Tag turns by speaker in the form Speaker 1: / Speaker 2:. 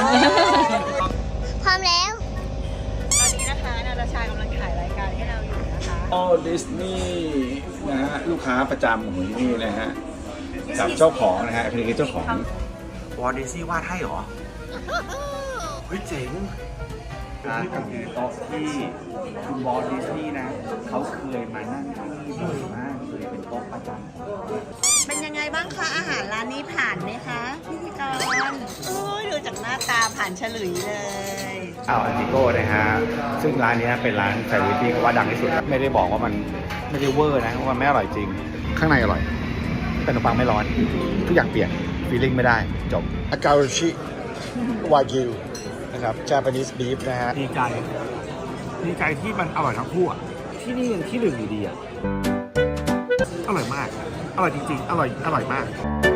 Speaker 1: พร้อมแล้ว
Speaker 2: ตอนนี้นะคะนาตาชากำลังถ่ายรายการให้เราอยู่นะคะ
Speaker 3: อ๋อดิสนีย์นะฮะลูกค้าประจำของที่นี่นะฮะกับเจ้าของนะฮะคือเจ้าของวอลดิสนีย์วาดให้เหรอเฮ้ยเจ๋งนี่ก็คือโต๊ะที่คุณวอลดิสนีย์นะเขาเคยมานั่งที่บ่อยมากเลยเป็นโต๊ะประจำ
Speaker 2: เป็นยังไงบ้างคะอาหารร้านนี้ผ่านไหมคะพิธีกรดูจากหน้าตาผ่านฉลุยเลย
Speaker 3: อันติโก้นะฮะซึ่งร้านนี้เป็นร้านแซนด์วิชที่เขาว่าดังที่สุดไม่ได้บอกว่ามันไม่ได้เวอร์นะว่าไม่อร่อยจริงข้างในอร่อยแต่ขนมปังไม่ร้อนทุกอย่างเปลี่ยนฟีลลิ่งไม่ได้จบอาการุชิวากิวนะครับ Japanese beef นะฮะดีใจที่มันอร่อยทั้งคู่อ่ะที่นี่ยังที่หนึ่งอยู่ดีอ่ะอร่อยมากอร่อยจริงๆอร่อยมาก